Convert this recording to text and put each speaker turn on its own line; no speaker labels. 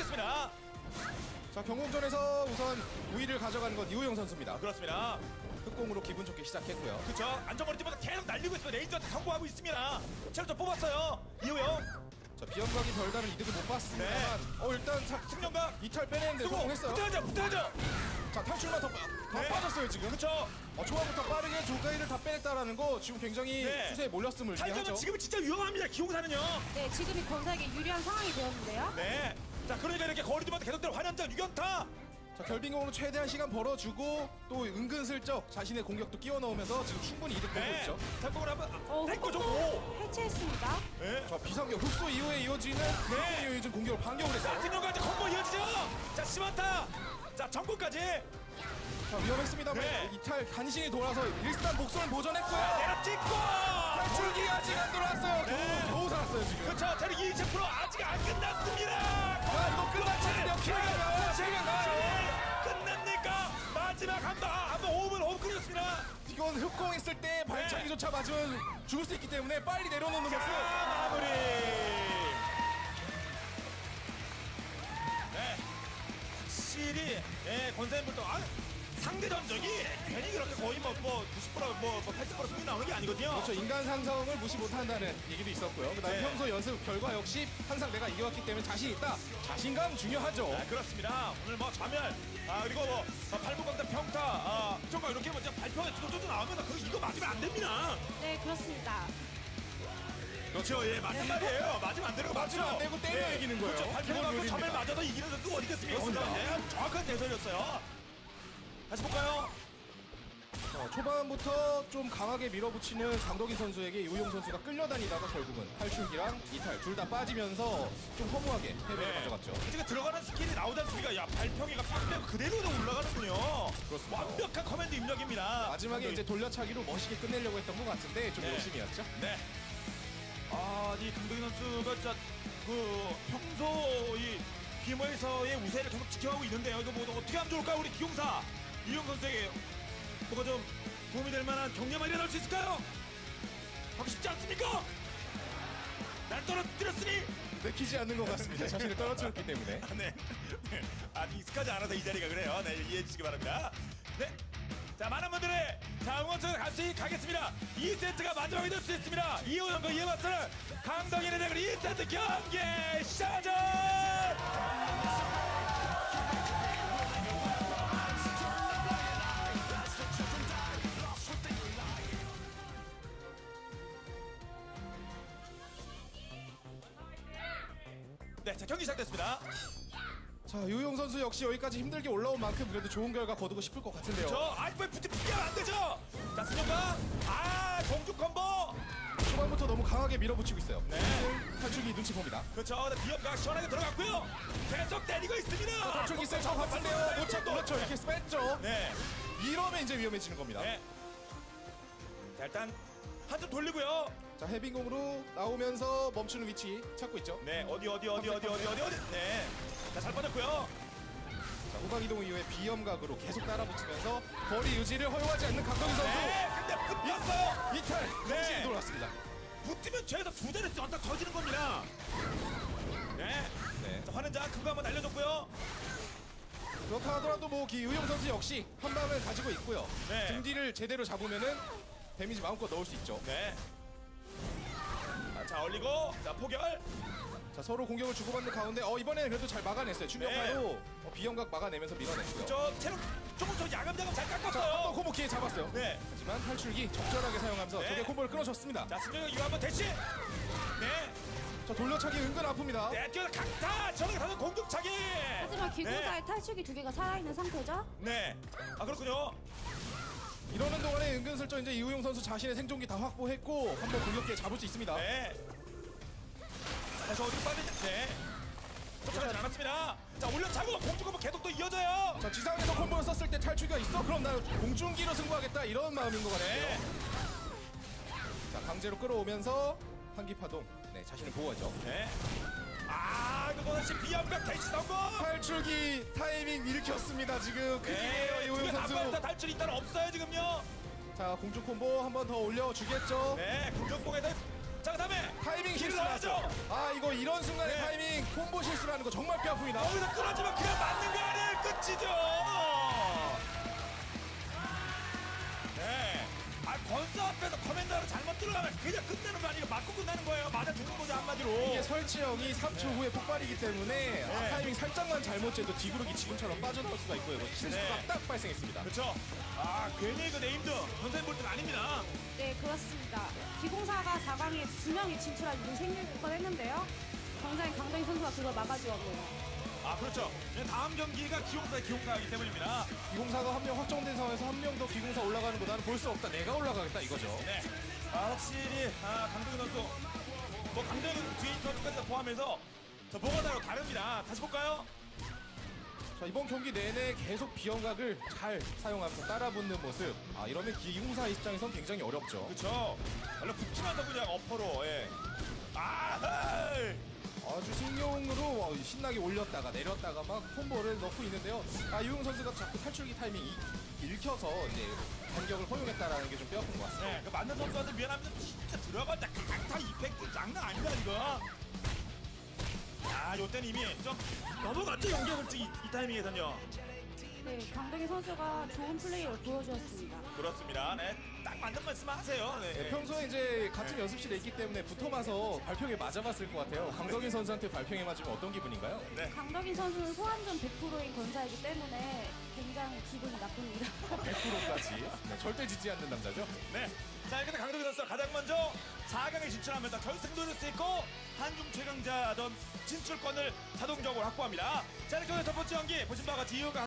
그렇습니다.
자, 경공전에서 우선 우위를 가져가는 건 이호영 선수입니다.
그렇습니다.
흑공으로 기분 좋게 시작했고요.
그렇죠. 안정거리 뛰면서 계속 날리고 있습니다. 레인저한테 성공하고 있습니다. 체력 좀 뽑았어요. 이호영.
자, 비염각이 별다른 이득을 못 봤습니다만 일단
승령각
이탈 빼내는데 성공했어요.
붙어야죠.
자, 탈출만 더 빠졌어요 지금.
그렇죠.
초반부터 빠르게 조가이를 다 빼냈다라는 거 지금 굉장히 추세에 몰렸음을
탈전은
의미하죠.
지금은 진짜 위험합니다. 기용사는요.
네, 지금이 권사에게 유리한 상황이 되었는데요.
네. 자, 그러니까 이렇게 거리 두면서 계속되는 환영장 6연타.
자, 결빙공으로 최대한 시간 벌어주고 또 은근슬쩍 자신의 공격도 끼워 넣으면서 지금 충분히 이득 보고 있죠.
탈공을 한번
흑공도
오.
해체했습니다.
네.
자, 비상격 흡수 이후에 이어지는 이어진 공격을 반격을 했어요.
승령까지 콤보 이어지죠. 자, 시만타. 자, 정국까지.
자, 위험했습니다만 이탈 간신히 돌아서 일단 목숨을 보존했고요.
내려 찍고
탈출기 아직 안 돌아왔어요. 겨우 살았어요 지금.
그렇죠. 체력 20% 아직 안 끝났습니다.
이거 끝났는데요.
끝납니까? 마지막 한번 5분 끊었습니다.
이건 흑공 있을 때 발차기조차 맞으면 죽을 수 있기 때문에 빨리 내려놓는 모습.
마무리. 네. 확실히 권사님부터 상대 전적이 괜히 그렇게 거의 90% 80% 승리 나오는 게 아니거든요.
그렇죠. 인간 상성을 무시 못한다는 얘기도 있었고요. 그다음에 평소 연습 결과 역시 항상 내가 이겨왔기 때문에 자신 있다. 자신감 중요하죠.
그렇습니다. 오늘 자멸 그리고 팔북광단 평타 정말 이렇게 발표에 두도도 나오면 이거 맞으면 안 됩니다.
네, 그렇습니다.
그렇죠. 맞는 말이에요. 맞으면 안 되는 거 맞죠.
맞으면 안 되고 때려 이기는 거예요.
그렇죠. 발표하고 점을 맞아도 이기는 선수 어디겠습니까? 정확한 대선이었어요. 다시 볼까요?
초반부터 좀 강하게 밀어붙이는 강덕인 선수에게 이호영 선수가 끌려다니다가 결국은 탈출기랑 이탈 둘 다 빠지면서 좀 허무하게 패배를 가져갔죠.
지금 들어가는 스킬이 나오지 않습니까? 야, 발평이가 팍 그대로 올라가는군요.
그렇습니다.
완벽한 커맨드 입력입니다.
마지막에 이제 돌려차기로 멋있게 끝내려고 했던 것 같은데 좀 욕심이었죠.
네. 이 강동인 선수가 진짜 평소 이 비머에서의 우세를 계속 지켜가고 있는데요. 이거 어떻게 하면 좋을까요? 우리 기용사 이용 선수에게 뭐가 좀 도움이 될 만한 격려만 일어날 수 있을까요? 하고 싶지 않습니까? 날 떨어뜨렸으니
내키지 않는 것 같습니다. 자신을 떨어뜨렸기 때문에.
네. 익숙하지 않아서 이 자리가 그래요. 네, 이해해 주시기 바랍니다. 네. 자, 많은 분들의 응원처럼 가겠습니다. 2세트가 마지막이 될 수 있습니다. 이호영과 이해맞서는 강덕인의 대결 2세트 경기 시작하죠! 네, 자, 경기 시작됐습니다.
자, 이호영 선수 역시 여기까지 힘들게 올라온 만큼 그래도 좋은 결과 거두고 싶을 것 같은데요.
붙이면 안 되죠! 자, 수정가! 공중 콤보!
초반부터 너무 강하게 밀어붙이고 있어요.
네.
탈출기 눈치 봅니다.
그렇죠. 비협가 시원하게 들어갔고요. 계속 때리고 있습니다.
탈출기 있을 것 같은데요. 놓쳤 그렇죠. 이렇게 뺐죠.
네.
이러면 이제 위험해지는 겁니다.
네. 자, 일단 한 점 돌리고요.
자, 해빙공으로 나오면서 멈추는 위치 찾고 있죠.
네, 어디. 네. 자, 잘 빠졌고요.
자, 후방 이동 이후에 비염각으로 계속 따라붙으면서 거리 유지를 허용하지 않는 강동희 선수.
네, 근데 붙었어요.
이탈. 정신이 돌아왔습니다.
붙으면 최소 두 자릿수 언덕 터지는 겁니다. 네.
네.
자, 화는 자 그거 한번 날려줬고요.
그렇다 하더라도 이호영 선수 역시 한 방을 가지고 있고요.
네.
등 뒤를 제대로 잡으면은 데미지 마음껏 넣을 수 있죠.
네. 자, 얼리고 자, 포결.
자, 서로 공격을 주고받는 가운데 이번에는 그래도 잘 막아냈어요. 충격파로 비염각 막아내면서 밀어냈고요.
저 체력 조금 야금야금 잘
자,
깎았어요.
한번 콤보 기회 잡았어요.
네.
하지만 탈출기 적절하게 사용하면서
네.
적의 콤보를 끊어줬습니다.
자, 승정이 이거 한번 대시. 네.
자, 돌려차기 은근 아픕니다.
네, 뛰어 강타. 저렇게 가서 공격차기.
하지만 기공사의 탈출기 2개가 살아있는 상태죠?
네. 그렇군요.
이러는 동안에 은근슬쩍 이제 이호영 선수 자신의 생존기 다 확보했고 한번 공격기에 잡을 수 있습니다.
네. 다시 어디로 빠지지? 네. 쫓아가지 않았습니다. 자, 올려차고 공중콤보 계속 또 이어져요.
자, 지상에서 콤보를 썼을 때 탈출기가 있어? 그럼 나 공중기로 승부하겠다 이런 마음인 것 같아요.
네.
자, 강제로 끌어오면서 한기파동. 네, 자신을 보호하죠.
네. 이거 다시 비암각 대시 성공.
탈출기 타이밍 일으켰습니다. 지금 큰일이에요, 이호영 선수.
지금 탈출이 일단 없어요 지금요.
자, 공중 콤보 한 번 더 올려주겠죠.
네, 공중봉에서 자, 그다음에
타이밍
길을
실수하죠.
넣어야죠.
자, 이거 이런 순간의
네.
타이밍 콤보 실수라는 거 정말 뼈아픕니다.
거기서 끊어지면 그냥 맞는 거 아니에요? 끝이죠. 네. 아, 권수 앞에서 커맨더로 잘못 들어가면 그냥 끝내는 거 아니고 맞고 끝나는 거예요. 맞아 죽는 거죠 한마디로.
이게 설치형이 3초 후에 폭발이기 때문에 타이밍 살짝만 잘못 재도 뒤구르기 지금처럼 빠져나올 수가 있고요. 이거 실수가
네.
딱 발생했습니다.
그렇죠. 아, 괜히 그 네임드 선생님 볼 때는 아닙니다.
네, 그렇습니다. 기공사가 4강에 2명이 진출할 일이 생길 뻔했는데요. 굉장히 강동희 선수가 그걸 막아주었네요.
아, 그렇죠. 다음 경기가 기용사이기 때문입니다.
기공사가 한 명 확정된 상황에서 한 명 더 기공사 올라가는 거 나는 볼 수 없다. 내가 올라가겠다 이거죠.
네. 아, 확실히 강동희 선수, 뭐 강동희 뒤인 선수까지 다 포함해서 저 뭐가 다릅니다. 다시 볼까요?
자, 이번 경기 내내 계속 비영각을 잘 사용하면서 따라붙는 모습. 아, 이러면 기공사 입장에선 굉장히 어렵죠.
그렇죠. 원래 붙지마자 그냥 어퍼로. 예. 아, 헤이.
아주 신용으로 신나게 올렸다가 내렸다가 막 콤보를 넣고 있는데요. 아, 유용 선수가 자꾸 탈출기 타이밍이 읽혀서 이제 반격을 허용했다라는 게 좀 뼈아픈 것 같습니다.
네, 그 맞는 선수한테 미안합니다. 진짜 들어간다. 강타 이펙트 장난 아니다 이거. 아, 요때는 이미 좀 넘어갔죠 연계물증 이 타이밍에선요.
네, 강동희 선수가 좋은 플레이를 보여주었습니다.
그렇습니다. 네, 딱 맞는 말씀 하세요. 네.
네, 평소에 이제 같은 연습실에 있기 때문에 붙어봐서 발평에 맞아봤을 것 같아요. 강덕인 선수한테 발평에 맞으면 어떤 기분인가요?
네.
강덕인 선수는 소환전 100%인 권사이기 때문에 굉장히 기분이 나쁩니다.
100%까지. 네, 절대 지지 않는 남자죠.
네. 자, 이렇게 강동희 선수가 가장 먼저 4강에 진출하면서 결승 노릴 수 있고 한중 최강자전 진출권을 자동적으로 확보합니다. 자, 이렇게 오늘 첫 번째 경기 보신 바와 같이 이유가